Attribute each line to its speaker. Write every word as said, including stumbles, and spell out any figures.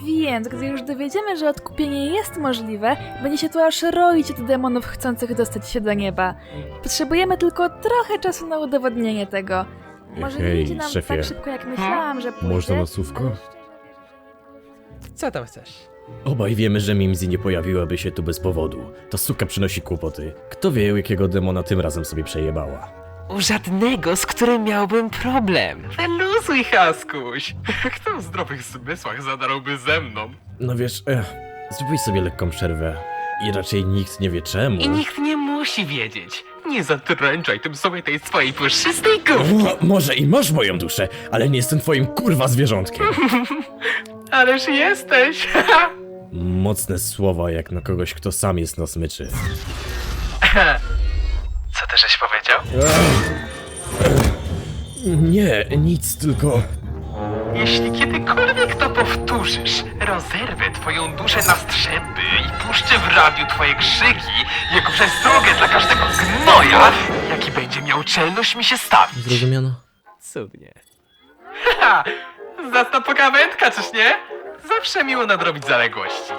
Speaker 1: Więc gdy już dowiedziemy, że odkupienie jest możliwe, będzie się tu aż roić od demonów chcących dostać się do nieba. Potrzebujemy tylko trochę czasu na udowodnienie tego. Może nie
Speaker 2: Hej,
Speaker 1: idzie nam
Speaker 2: szefie.
Speaker 1: tak szybko, jak myślałam, że pójdzie.
Speaker 2: Można na słówko?
Speaker 3: Co tam chcesz?
Speaker 2: Obaj wiemy, że Mimsy nie pojawiłaby się tu bez powodu. Ta suka przynosi kłopoty. Kto wie, jakiego demona tym razem sobie przejebała.
Speaker 3: U żadnego, z którym miałbym problem. Wyluzuj, Haskuś. Kto w zdrowych zmysłach zadarłby ze mną?
Speaker 2: No wiesz, ech, zróbmy sobie lekką przerwę. I raczej nikt nie wie czemu.
Speaker 3: I nikt nie musi wiedzieć. Nie zatręczaj tym sobie tej swojej puszystej gówki.
Speaker 2: O, może i masz moją duszę, ale nie jestem twoim kurwa zwierzątkiem.
Speaker 3: Ależ jesteś.
Speaker 2: Mocne słowa jak na kogoś, kto sam jest na smyczy.
Speaker 3: Co ty żeś powiedział?
Speaker 2: Nie, nic, tylko...
Speaker 3: Jeśli kiedykolwiek to powtórzysz, rozerwę twoją duszę na strzępy i puszczę w radiu twoje krzyki jako przestrogę dla każdego gnoja, jaki będzie miał czelność mi się stawić.
Speaker 2: Zrozumiano?
Speaker 3: Cudnie. Haha, zacna pogawędka, czyż nie? Zawsze miło nadrobić zaległości.